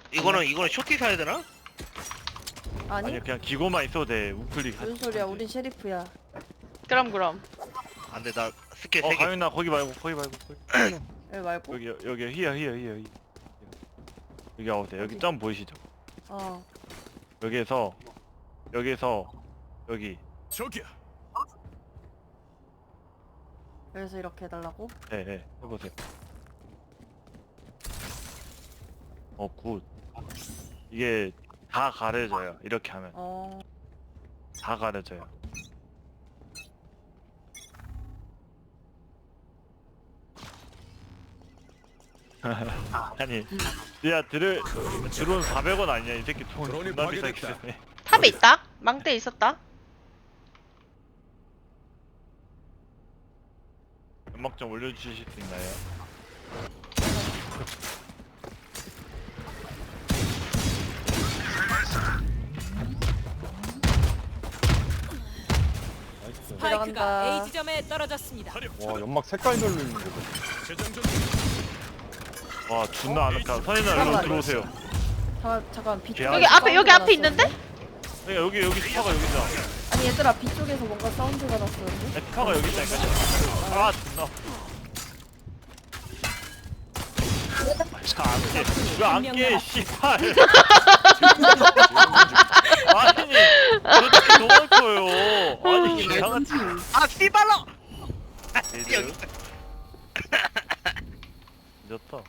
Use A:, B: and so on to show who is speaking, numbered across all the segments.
A: 이거는 쇼티 사야 되나?
B: 아니?
C: 아니 그냥 기고만 있어도 돼. 우클릭.
B: 무슨 소리야? 우린 셰리프야.
D: 그럼.
A: 안돼 나 스킬
C: 어
A: 3개.
C: 가윤아 거기 말고 거기.
B: 왜 말고?
C: 여기 히어. 여기 와보세요. 여기
B: 어디?
C: 점 보이시죠?
B: 어.
C: 여기에서 여기.
E: 저기야.
B: 그래서 이렇게 해달라고?
C: 네, 해보세요. 굿. 이게 다 가려져요. 이렇게 하면
B: 어.
C: 다 가려져요. 아니, 야 드론 400원 아니야? 이 새끼 돈
E: 드론이
C: 존나 비싸게
E: 파괴됐다.
C: 쓰네.
D: 탑에 있다? 망대 있었다?
C: 연막 좀 올려주실 수 있나요?
B: 들어간다.
F: 스파이크가 A 지점에 떨어졌습니다.
G: 와 연막 색깔별로 있는 거.
E: 재장전.
C: 와 존나 아늑하. 선인아 일로
B: 잠깐만.
C: 들어오세요.
B: 잠깐 B
C: 여기
B: 쪽에
D: 앞에, 여기
B: 사운드가
D: 앞에 있는데?
B: 났었는데?
C: 그러니까 여기 스파가 여기잖아.
B: 아니 얘들아 B 쪽에서 뭔가 사운드가 났었는데?
C: 스파가 여기 있다니까. 아 존나. 왜안 깨? 씨발. 아니 도대체 너무 커요. 아니 이상한지.
A: 아 씨발로.
C: 얘들. 늦었다.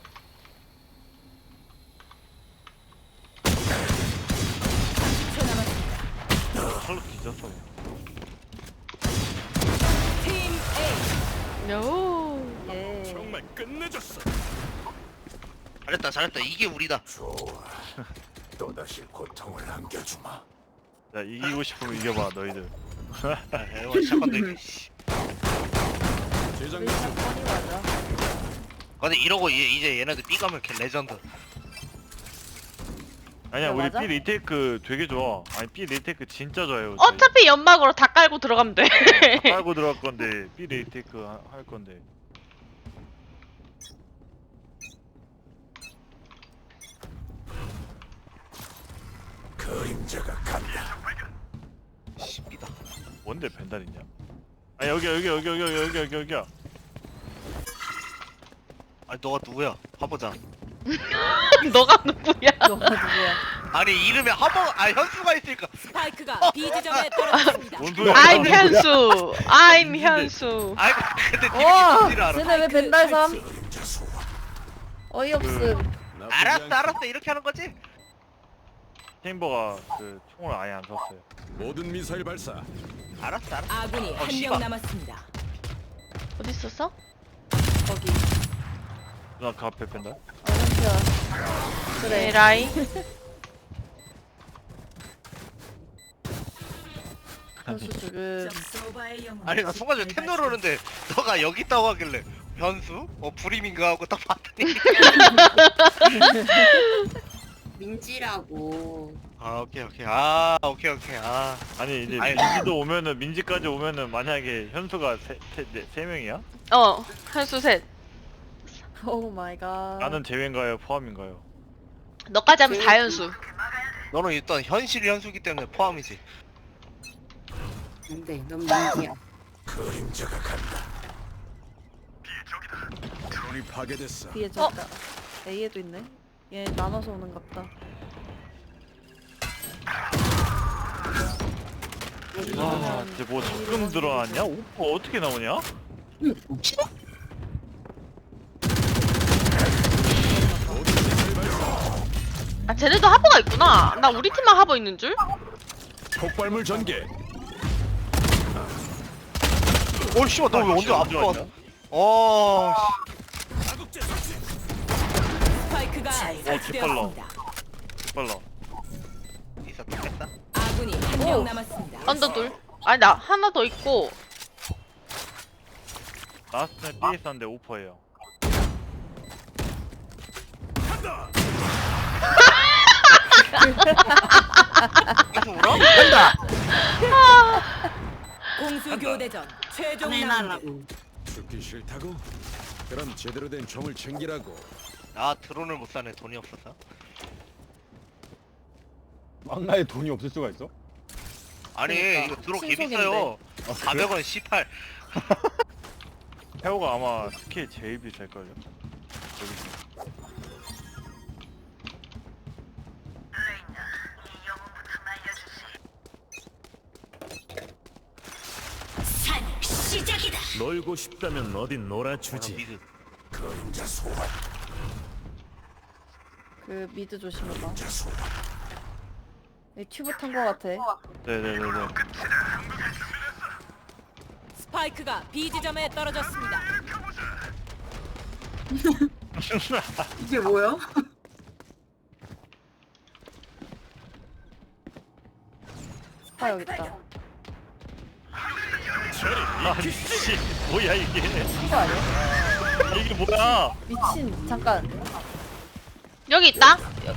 C: 헐로 뒤졌어.
F: 팀 A.
D: 요.
B: 예.
E: 정말 끝내줬어.
A: 잘했다 이게 우리다.
E: 또다시 고통을 안겨주마.
C: 야 이기고 싶으면 이겨봐 너희들.
A: 에이 시작한다 이게. 씨.
B: 우리
E: 재장전.
B: 사건이 맞아.
A: 근데 이러고 이제 얘네들 B 가면 걔 레전드.
C: 아니야
B: 그래,
C: 우리
B: 맞아?
C: B 리테이크 되게 좋아. 아니 B 리테이크 진짜 좋아요.
D: 어차피 연막으로 다 깔고 들어가면 돼.
C: 깔고 들어갈 건데 B 리테이크 할 건데.
E: 그림자가 간다.
A: 씨 B다.
C: 뭔데 벤달 있냐? 아 여기야.
A: 아니 너가 누구야? 화보자.
D: 너가 누구야?
B: 너가 누구야?
A: 아니 이름에 현수가 있으니까.
F: 스파이크가 B 지점에 떨어졌습니다.
C: 뭔 소리야?
D: I'm 현수.
A: 아이 근데
B: 와!
A: 님이 알아.
B: 쟤네 왜 벤달삼?
E: 그림자 소환.
B: 어이없음.
A: 알았어 이렇게 하는 거지?
C: 체인버가 그 총을 아예 안 썼어요.
E: 모든 미사일 발사.
A: 알았어
F: 아군이 한
A: 씨발.
F: 명 남았습니다.
D: 어디 있었어?
B: 거기.
C: 누나 그 앞에 벤달?
B: 현수야. 그래.
D: 에라이.
B: 현수 지금
A: 아니 나 순간적으로 템 누르는데 너가 여기 있다고 하길래 현수? 불임인가 하고 딱 봤더니
H: 민지라고.
A: 오케이 오케이 아
C: 아니 이제
A: 아니,
C: 민지도 오면은 민지까지 오면은 만약에 현수가 세 명이야?
D: 현수 셋.
B: 오 마이 갓.
C: 나는 제외인가요? 포함인가요?
D: 너까지 하면 다 현수.
A: 너는 일단 현실 현수기 때문에 포함이지.
H: 안돼, 넌 민지야.
E: 그림자가 간다. 드론이 파괴됐어.
B: B에 저 있다. A에도 있네. 얘 나눠서 오는 갑다.
C: 와, 이제 뭐 적금 들어왔냐? 오퍼 어떻게 나오냐?
D: 아 쟤네도 하버가 있구나. 나 우리 팀만 하버 있는 줄?
E: 폭발물 전개.
A: 씨발 너 왜 언제 앞에 왔어?
E: 자국제 설치.
F: 스파이크가 설치되었습니다.
C: 빨라.
A: 있었다 뺐다.
F: 아군이 한 명 남았습니다.
D: 언더 둘. 아니 나 하나 더 있고.
C: 라스트는 B에 있었는데 오퍼예요.
E: 간다.
A: 계속 울어? 간다.
F: 공수 교대전 최종 라운드.
H: 해달라고.
E: 죽기 싫다고? 그럼 제대로 된 총을 챙기라고.
A: 나 드론을 못 사네 돈이 없어서.
G: 망나에 돈이 없을 수가 있어?
A: 아니
B: 그러니까,
A: 이거 들어 개
B: 신속인데.
A: 비싸요.
G: 아, 그래?
A: 400원 18.
C: 태호가 아마 스킬 제일 비쌀걸요? 여기
E: 놀고 싶다면 어딘 놀아주지.
A: 미드.
E: 그림자 소환.
B: 그 미드 조심해봐. 이 튜브 탄 거 같아.
C: 네네네네.
F: 스파이크가 B 지점에 떨어졌습니다.
H: 이게 뭐야?
B: 스파 여기 있다.
C: 아니 씨 뭐야 이게?
B: 이거 아니야?
C: 이게 뭐야?
B: 미친 잠깐.
D: 여기 있다.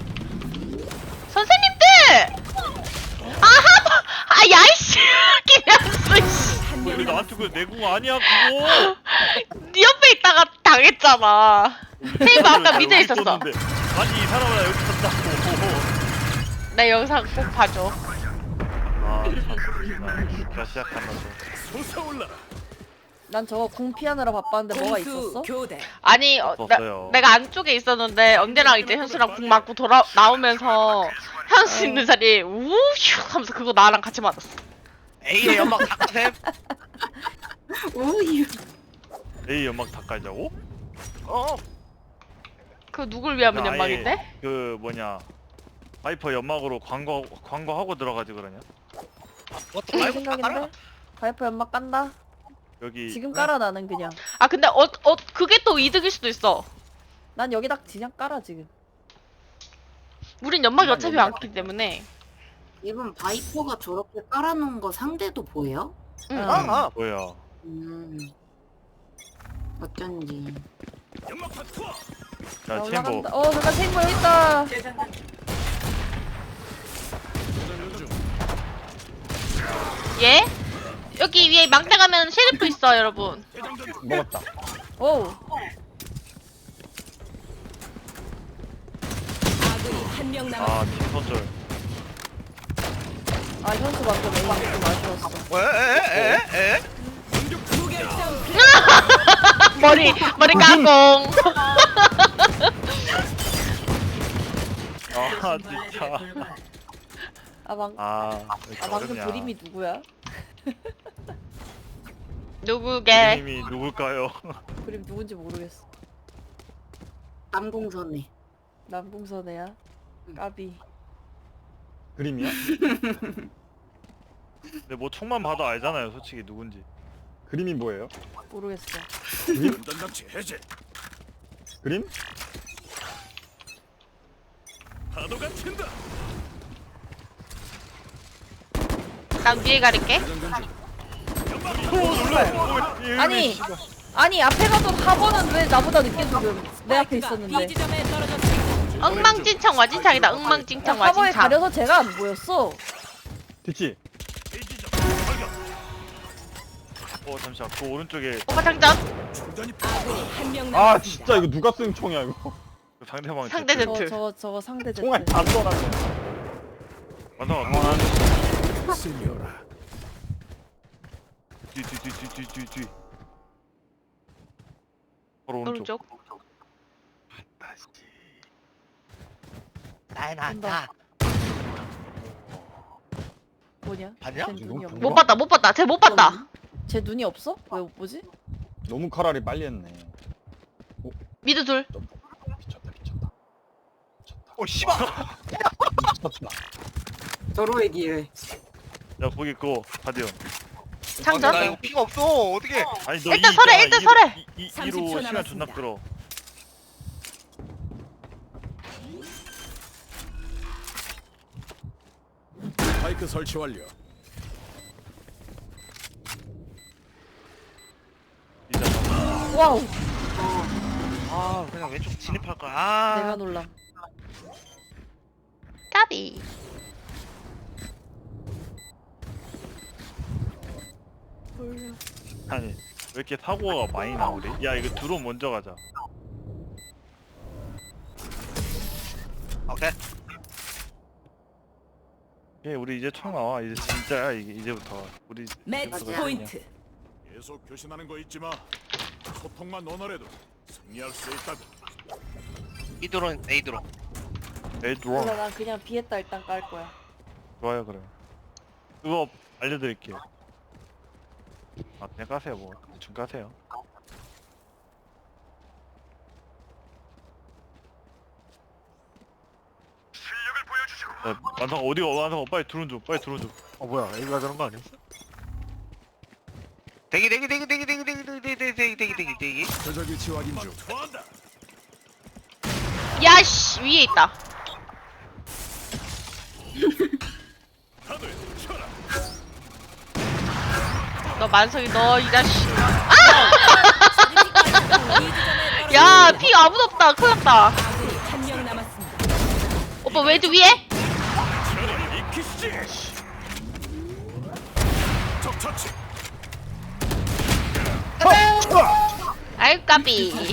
D: 선생님들! 야이씨! 김현수 씨!
C: 왜 나한테 그 내공 아니야 그거?
D: 네 옆에 있다가 당했잖아. 테이프 아까 밑에 있었어.
C: 있었는데. 아니 이 사람은 여기 있었다고.
D: 내 영상 꼭 봐줘.
C: 나 시작한다 또.
E: 솟아올라라.
B: 난 저거 궁 피하느라 바빴는데 뭐가
F: 공수
B: 있었어?
F: 교대.
D: 아니
C: 없었어요.
D: 내가 안쪽에 있었는데 언제랑 이제 현수랑 궁 맞고 나오면서 현수 있는 자리에 우휴 하면서 그거 나랑 같이 맞았어.
A: A의 연막 닭템.
H: 오이.
C: A 연막 다 깔자고?
D: 그 누굴 위한
C: 아예
D: 연막인데?
C: 그 뭐냐 바이퍼 연막으로 광고하고 들어가지 그러냐?
A: 그것도
B: 내
A: 말고 다 깔아.
B: 생각인데? 바이퍼 연막 깐다?
C: 여기
B: 지금 깔아 나는 그냥.
D: 아 근데 그게 또 이득일 수도 있어.
B: 난 여기다 그냥 깔아 지금.
D: 우린 연막이 어차피 많기 때문에.
H: 이번 바이퍼가 저렇게 깔아놓은 거 상대도 보여?
D: 응.
A: 아,
C: 뭐야?
H: 어쩐지.
E: 연막탄 투하.
C: 야 챔버
B: 올라간다. 잠깐 탱고 여기 있다.
D: 예? 여기 위에 망대 가면 셰리프 있어 여러분.
G: 먹었다.
B: 오.
F: 아군이 한 명 남았습니다.
C: 팀선절.
B: 아 현수 방금 에임 좀 아쉬웠어.
A: 에?
F: 무결점
D: 머리 까공.
C: 아 진짜.
B: 방금
C: 어렵냐.
B: 그림이 누구야?
D: 누구게?
C: 그림이 누굴까요?
B: 그림 누군지 모르겠어.
H: 남공선에.
B: 남궁선애야. 까비.
G: 그림이야?
C: 근데 뭐 총만 봐도 알잖아요 솔직히 누군지.
G: 그림이 뭐예요?
B: 모르겠어.
G: 그림?
E: 전담치 해제.
G: 그림?
E: 파도가 튄다.
D: 난 뒤에 가릴게.
B: 아니 앞에 가던 4번은 왜 나보다 늦게 죽음? 내 앞에
F: 스파이크가 B
B: 있었는데.
F: 지점에 떨어졌습니다.
D: 엉망진창 와진창이다. 엉망진창
B: 4번에
D: 와진창.
B: 가려서 제가 안 보였어.
G: 뒤치.
C: 잠시만 그 오른쪽에
D: 오빠 장전.
E: 중단이
F: 아군이 한 명
G: 아
F: 남았습니다.
G: 진짜 이거 누가 쓴 총이야 이거.
C: 그 상대방
D: 상대
C: 제트.
D: 제트.
B: 저거 상대 제트.
G: 총알 다 쏘놨네.
C: 맞아.
E: 쓸려라.
C: 뒤. 바로 오른쪽.
D: 오른쪽.
A: 나다.
B: 뭐냐?
A: 봤냐?
B: 쟤 눈이 없네.
D: 못 봤다. 쟤 못 봤다.
B: 쟤 눈이 없어? 왜 못 보지?
G: 너무 카라리 빨리 했네.
D: 미드 둘.
G: 미쳤다.
A: 씨발.
G: 미쳤다.
H: 서로의 기회.
C: 야 거기 그거 바디언.
D: 장전.
A: 나 이거 피가 없어. 어떻게?
C: 아니 너
D: 일단 설해, 일단 설해.
F: 30초
C: 2로 시간
F: 남았습니다.
C: 존나 끌어.
E: 바이크 설치 완료.
C: 이제
B: 와우.
A: 아, 그냥 왼쪽 진입할 거야.
B: 내가 놀람.
D: 까비.
C: 아니 왜 이렇게 사고가 많이 나오래? 야 이거 드론 먼저 가자.
A: 오케이.
C: 우리 이제 총 나와. 이제 진짜야 이제부터. 우리
F: 매치
C: 이제부터가
F: 포인트.
E: 계속 교신하는 거 잊지 마. 소통만 원활해도 승리할 수 있다고.
A: B 드론 A 드론.
C: 에이
B: 그래서
C: 드론.
B: 난 그냥 비에타 일단 깔 거야.
C: 좋아요 그래. 그거 알려드릴게요. 아 그냥 까세요 뭐. 대충 까세요. 완성 어디가 완성 빨리 드론 줘 빨리 드론 줘.
I: 뭐야 A가 저런 거 아니었어?
A: 대기.
E: 표적이 지확인 중. 투하한다.
D: 야씨 위에 있다.
E: 다들 쳐라.
D: 너 만성이 너 이 자식. 야 피 아무도 없다. 큰일났다.
F: 아군이 한 명 남았습니다.
D: 오빠 웨드 위에?
E: 저리 익히시지. 적 처치.
D: 아이 까비.